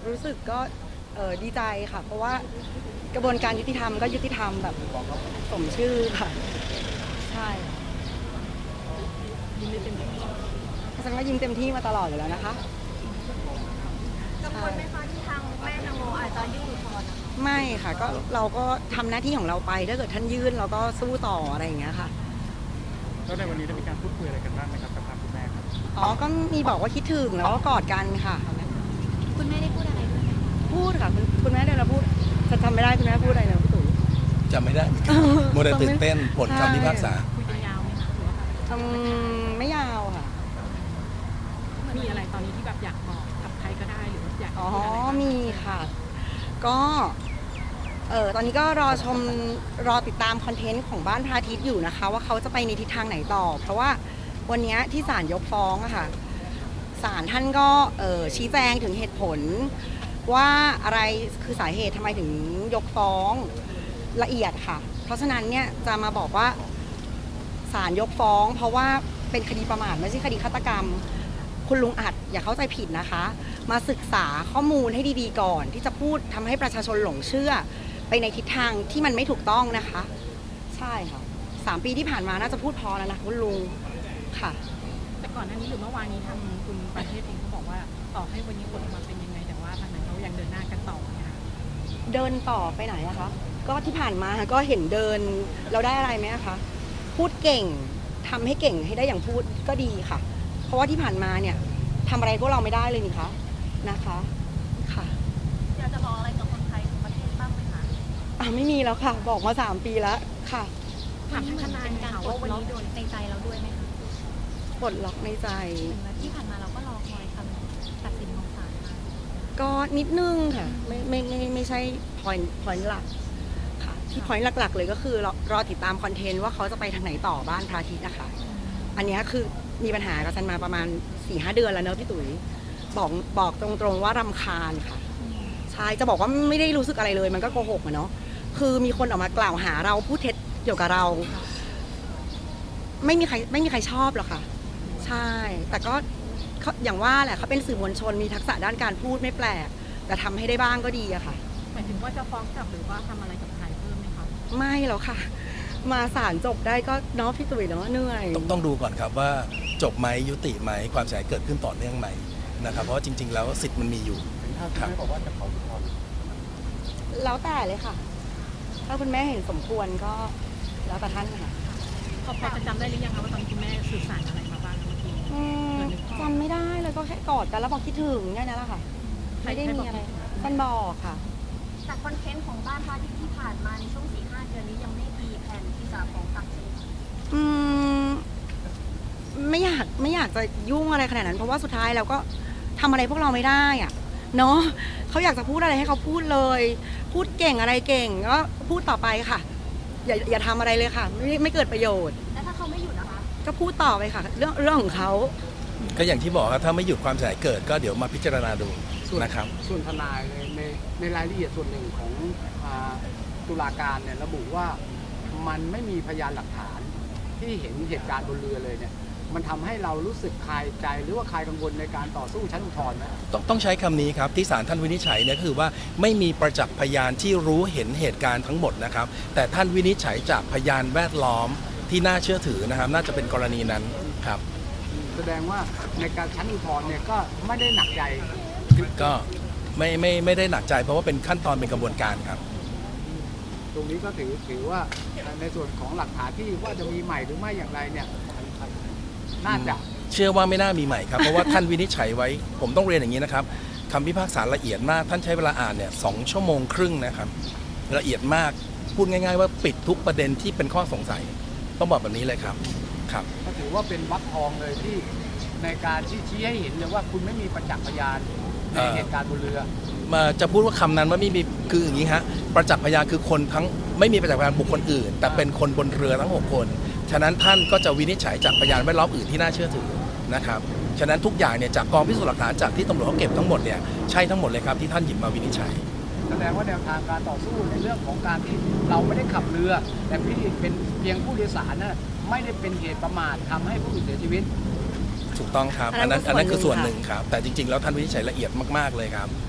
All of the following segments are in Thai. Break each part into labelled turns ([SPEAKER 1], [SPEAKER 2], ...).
[SPEAKER 1] รู้สึกก็ดีใจค่ะเพราะว่ากระบวนการยุติธรรมก็ยุติธรรมแบบสมชื่อค่ะใช่ยิ้มเต็มที่ฉันก็ยิ้มเต็มที่มาตลอดอยู่แล้วนะคะ
[SPEAKER 2] กังวลไหมคะที่ทางแม่นางโมอาจจะยื่นอุทธรณ์นะคะ
[SPEAKER 1] ไม่ค่ะก็เราก็ทำหน้าที่ของเราไปถ้าเกิดท่านยื่นเราก็สู้ต่ออะไรอย่างเงี้ยค่ะ
[SPEAKER 3] แล้วในวันนี้ได้มีการพูดคุยอะไรกันบ้างไหมครับกับทางคุณแม่ครับ
[SPEAKER 1] อ๋อก็มีบอกว่าคิดถึงแล้วก็กอดกันค่ะ
[SPEAKER 2] คุณแม่ได้พูดอะไรด้วยไหมคะ
[SPEAKER 1] พูดค่ะคุณแม่เดี๋ยวเราพูดจะจำไม่ได้คุณแม่พูดอะไรนะพี่ตุ๋ย
[SPEAKER 4] จำไม่ได้เหมือนกันโมเดลตื่นเต้นผลคำพิพากษา
[SPEAKER 2] คุยกันยาวไหมคะหรือว่า
[SPEAKER 1] ไม่ยาวค่ะ
[SPEAKER 2] มีอะไรตอนนี้ที่แบบอยากบอกกับใครก็ได้หรือว่าอยาก
[SPEAKER 1] อ๋อ
[SPEAKER 2] พูดอะไรบ้าง
[SPEAKER 1] มีค่ะก็ตอนนี้ก็รอติดตามคอนเทนต์ของบ้านพระอาทิตย์อยู่นะคะว่าเขาจะไปในทิศทางไหนต่อเพราะว่าวันนี้ที่ศาลยกฟ้องอะค่ะศาลท่านก็ชี้แจงถึงเหตุผลว่าอะไรคือสาเหตุทำไมถึงยกฟ้องละเอียดค่ะเพราะฉะนั้นเนี่ยจะมาบอกว่าศาลยกฟ้องเพราะว่าเป็นคดีประมาทไม่ใช่คดีฆาตกรรมคุณลุงอัดอย่าเข้าใจผิดนะคะมาศึกษาข้อมูลให้ดีๆก่อนที่จะพูดทำให้ประชาชนหลงเชื่อไปในทิศทางที่มันไม่ถูกต้องนะคะใช่ค่ะ3 ปีที่ผ่านมาน่าจะพูดพอแล้วนะคุณลุงค่ะ
[SPEAKER 2] แต่ก่อนหน้านี้หรือเมื่อวานนี้ทางคุณประเทศเองเขาบอกว่าต่อให้วันนี้ผลออกมาเป็นยังไงแต่ว่าทางนั้นเขายังเดินหน้ากันต่อเนี่ยค่ะ
[SPEAKER 1] เดินต่อไปไหนอะคะก็ที่ผ่านมาก็เห็นเดินเราได้อะไรไหมคะพูดเก่งทำให้เก่งให้ได้อย่างพูดก็ดีค่ะเพราะว่าที่ผ่านมาเนี่ยทำอะไรพวกเราไม่ได้เลยนี่คะนะคะค่ะ
[SPEAKER 2] อยากจะบอกอะไรกับคนไทยทั้งประเทศบ้างไหมคะ
[SPEAKER 1] ไม่มีแล้วค่ะบอกมา3 ปีแล้วค่ะ
[SPEAKER 2] ถามทนายค่ะว่าวันนี้โดนในใจเราด้วยไหมคะ
[SPEAKER 1] ปลดล็อกในใจ
[SPEAKER 2] ที่ผ่านมาเราก็รอคอยคำตัดสินของศาลมา
[SPEAKER 1] ก็นิดนึงค่ะไม่ใช่ point หลักค่ะที่ point หลักๆเลยก็คือรอติดตามคอนเทนต์ว่าเขาจะไปทางไหนต่อบ้านพระอาทิตย์นะคะอันนี้คือมีปัญหากับซันมาประมาณ 4-5 เดือนแล้วเนอะพี่ตุ๋ยบอกตรงๆว่ารำคาญค่ะใช่จะบอกว่าไม่ได้รู้สึกอะไรเลยมันก็โกหกอะเนาะคือมีคนออกมากล่าวหาเราพูดเท็จเกี่ยวกับเราไม่มีใครชอบหรอกค่ะใช่แต่ก็อย่างว่าแหละเขาเป็นสื่อมวลชนมีทักษะด้านการพูดไม่แปลกแต่ทำให้ได้บ้างก็ดีอะค่ะ
[SPEAKER 2] หมายถึงว่าจะฟ้องกลับหรือว่าทำอะไรกับใครเพิ่มไหมคะ
[SPEAKER 1] ไม่แล้วค่ะมาศาลจบได้ก็เนาะพี่ตุ๋ยเนาะเหนื่อย
[SPEAKER 4] ต้องดูก่อนครับว่าจบไหมยุติไหมความเสียหายเกิดขึ้นต่อเนื่องไหมนะครับเพราะว่าจริงๆแล้วสิทธิ์มันมีอยู่
[SPEAKER 3] ถ้าคุณแม่บอกว่าจะขออุทธรณ์
[SPEAKER 1] แล้วแต่เลยค่ะถ้าคุณแม่เห็นสมควรก็แล้วแต่ท่านค่ะ
[SPEAKER 2] พอจะจำได้หรือยังคะว่าตอนคุณแม่สื่อสารอะไรมาบ้างเมื่อกี้
[SPEAKER 1] จำไม่ได้เลยก็แค่กอดกันแล้วบอกคิดถึงแค่นั้นแหละค่ะไม่ได้มีอะไรท่านบอกค่ะ
[SPEAKER 2] แต่คอนเทนต์ของบ้านพระอาทิตย์ที่ผ่านมาในช่วง 4-5 เดือนนี้ยังไม่มีแผนที่จะฟ้องกลับใช่ไหมคะ
[SPEAKER 1] ไม่อยากจะยุ่งอะไรขนาดนั้นเพราะว่าสุดท้ายเราก็ทำอะไรพวกเราไม่ได้อะเนาะเขาอยากจะพูดอะไรให้เขาพูดเลยพูดเก่งอะไรเก่งก็พูดต่อไปค่ะอย่าทำอะไรเลยค่ะไม่เกิดประโยชน์
[SPEAKER 2] แล้วถ้าเขาไม่หยุดนะคะ
[SPEAKER 1] ก็พูดต่อไปค่ะเรื่องของเขา
[SPEAKER 4] ก็อย่างที่บอกครับถ้าไม่หยุดความเสียหายเกิดก็เดี๋ยวมาพิจารณาดูนะครับ
[SPEAKER 3] ส่วนทนายในรายละเอียดส่วนหนึ่งของตุลาการเนี่ยระบุว่ามันไม่มีพยานหลักฐานที่เห็นเหตุการณ์บนเรือเลยเนี่ยมันทำให้เรารู้สึกคลายใจหรือว่าคลายกังวลในการต่อสู้ชั้นอุทธรณ์ไหม
[SPEAKER 4] ต้องใช้คำนี้ครับที่ศาลท่านวินิจฉัยเนี่ยก็คือว่าไม่มีประจักษ์พยานที่รู้เห็นเหตุการณ์ทั้งหมดนะครับแต่ท่านวินิจฉัยจากพยานแวดล้อมที่น่าเชื่อถือนะครับน่าจะเป็นกรณีนั้นครับ
[SPEAKER 3] แสดงว่าในการชั้นอุทธรณ์เนี่ยก็ไม่ได้หนักใจ
[SPEAKER 4] ก็ไม่ได้หนักใจเพราะว่าเป็นขั้นตอนเป็นกระบวนการครับ
[SPEAKER 3] ตรงนี้ก็ถือว่าในส่วนของหลักฐานที่ว่าจะมีใหม่หรือไม่อย่างไรเนี่ยน่าจะ
[SPEAKER 4] เชื่อว่าไม่น่ามีใหม่ครับเพราะว่าท่านวินิจฉัยไว้ผมต้องเรียนอย่างนี้นะครับคำพิพากษาละเอียดมากท่านใช้เวลาอ่านเนี่ย2 ชั่วโมงครึ่งนะครับละเอียดมากพูดง่ายๆว่าปิดทุกประเด็นที่เป็นข้อสงสัยต้องบอกแบบนี้เลยครับครับ
[SPEAKER 3] ก็ถือว่าเป็นวรรคทองเลยที่ในการชี้ให้เห็นเลยว่าคุณไม่มีประจักษ์พยานในเหตุการณ์บนเรือ
[SPEAKER 4] มาจะพูดว่าคำนั้นว่าไม่มีคืออย่างนี้ฮะประจักษ์พยานคือคนทั้งไม่มีประจักษ์พยานบุคคลอื่นแต่เป็นคนบนเรือทั้ง6 คนฉะนั้นท่านก็จะวินิจฉัยจากพยานแวดล้อมอื่นที่น่าเชื่อถือนะครับฉะนั้นทุกอย่างเนี่ยจากกองพิสูจน์หลักฐานจากที่ตำรวจเขาเก็บทั้งหมดเนี่ยใช่ทั้งหมดเลยครับที่ท่านหยิบมาวินิจฉัย
[SPEAKER 3] แสดงว่าแนวทางการต่อสู้ในเรื่องของการที่เราไม่ได้ขับเรือแต่พี่เป็นเพียงผู้โดยสารน่ะไม่ได้เป็นเหตุประมาททำให้ผู้อื่นเสียชีวิต
[SPEAKER 4] ถูกต้องครับอันนั้นคือส่วนหนึ่งครับแต่จริงๆแล้วท่านวินิจฉัยละเอียดมากๆเลยครับ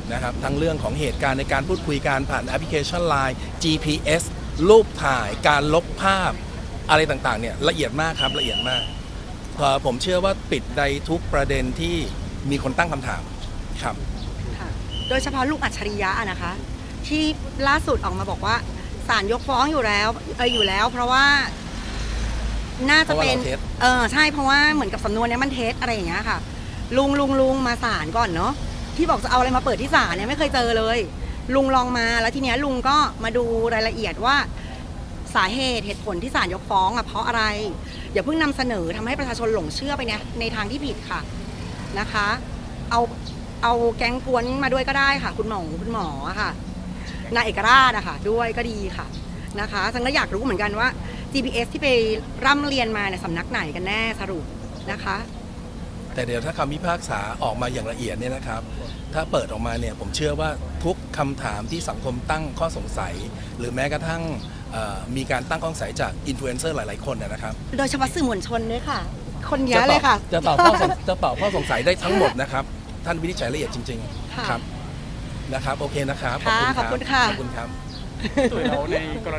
[SPEAKER 4] นะครับทั้งเรื่องของเหตุการณ์ในการพูดคุยการผ่านแอปพลิเคชัน Line GPS รูปถ่ายการลบภาพอะไรต่างๆเนี่ยละเอียดมากครับละเอียดมากผมเชื่อว่าปิดในทุกประเด็นที่มีคนตั้งคำถามครับ
[SPEAKER 1] ค่ะโดยเฉพาะลูกอัจฉริยะอะนะคะ ที่ล่าสุดออกมาบอกว่าศาลยกฟ้องอยู่แล้วเพราะว่าน่าจะเป็น
[SPEAKER 4] เพราะว่าเราเท็จ
[SPEAKER 1] ใช่เพราะว่าเหมือนกับสำนวนเนี้ยมันเท็จอะไรอย่างเงี้ยค่ะ ลุงมาศาลก่อนเนาะที่บอกจะเอาอะไรมาเปิดที่ศาลเนี่ยไม่เคยเจอเลย ลุงลองมาแล้วทีเนี้ยลุงก็มาดูรายละเอียดว่าสาเหตุผลที่ศาลยกฟ้องอ่ะเพราะอะไรอย่าเพิ่งนำเสนอทำให้ประชาชนหลงเชื่อไปเนี่ยในทางที่ผิดค่ะนะคะ เอาแก๊งกวนมาด้วยก็ได้ค่ะ คุณหมอค่ะนายเอกราชนะคะด้วยก็ดีค่ะนะคะฉันก็อยากรู้เหมือนกันว่า GPS ที่ไปร่ำเรียนมาในยสำนักไหนกันแน่สรุปนะคะ
[SPEAKER 4] แต่เดี๋ยวถ้าคำพิพากษาออกมาอย่างละเอียดเนี่ยนะครับ ถ้าเปิดออกมาเนี่ยผมเชื่อว่าทุกคำถามที่สังคมตั้งข้อสงสัย หรือแม้กระทั่งมีการตั้งข้อสงสัยจากอินฟลูเอนเซอร์หลายๆคนนะครับ
[SPEAKER 1] โดยเฉพาะสื่อมวลชนด้วยค่ะ คนเยอะเลยค่ะ
[SPEAKER 4] จะตอบข้อสงสัยได้ทั้งหมดนะครับ ท่านวินิจฉัยละเอียดจริง
[SPEAKER 1] ค่ะ
[SPEAKER 4] ๆครับนะครับโอเคนะครับ
[SPEAKER 1] ค่ะขอบคุณค่ะ
[SPEAKER 4] ขอบคุณครับ
[SPEAKER 5] ส่วนเราในกร